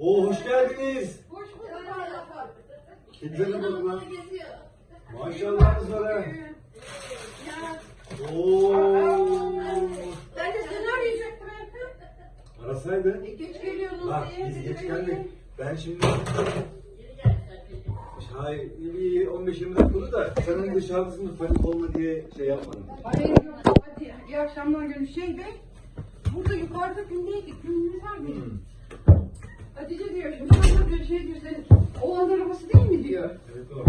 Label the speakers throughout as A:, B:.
A: Oo, hoş geldiniz.
B: Hoş bulduk.
A: Kimse de bakma. Maşallahınız var ha. Oo.
B: Ben de seni arayacaktım.
A: Arasaydı.
B: Geç geliyorsunuz
A: Bak
B: diye.
A: biz geç geldik. Ben şimdi... Hayır, bir 15-20 dakika oldu da sen hani dışarıdasın, panik olma diye şey yapmadım.
B: Hayır yok. Hadi iyi akşamlar günü şeydi. Burada yukarıda gündeydik. Günümüz var mı? Hatice diyor şimdi sana bir şey diyor senin. Oğlan arabası değil mi diyor.
A: Evet o.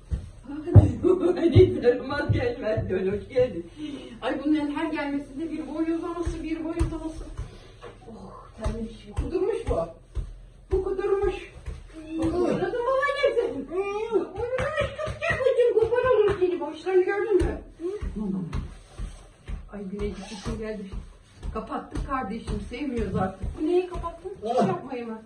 B: Hani tarımaz gelmez diyor. Hoş geldin. Ay bunların her gelmesinde bir boy uzaması bir boy uzaması. Oh terlemiş. Kudurmuş bu. Bu kudurmuş. Kudurdu baba gelsin. Bütün kupar olur seni. Başlarını gördün mü? Ay Güneycik için geldi. Kapattık kardeşim. Sevmiyoruz artık. Bu neyi kapattın? Hiç yapmayı mı?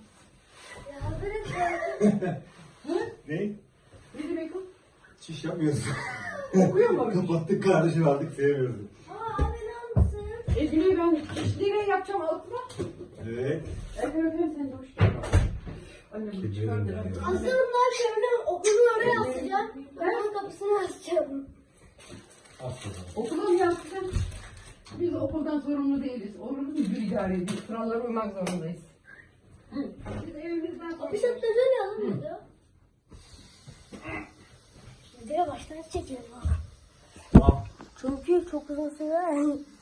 A: Ne?
B: Ne demek o?
A: Çiş yapmıyorsun.
B: Okuyor mu?
A: Kapattık kardeşim, artık sevmiyoruz.
B: Ezgi'yi ben nereye yapacağım altına?
A: Evet.
B: Öpüyorum seni de hoş geldin. Annem çıkardı.
C: Aslında ben şöyle okulun oraya asacağım. Okulun kapısını açacağım.
B: Okula mı yapacaksın? Biz okuldan sorumlu değiliz. Olur mu? Müdür idare ediyor. Kurallara uymak zorundayız. Biz evimizden sonra...
C: Bir şapta öyle alamıyordu. Videoya baştan çekelim.
A: Tamam.
C: Çünkü çok uzun süre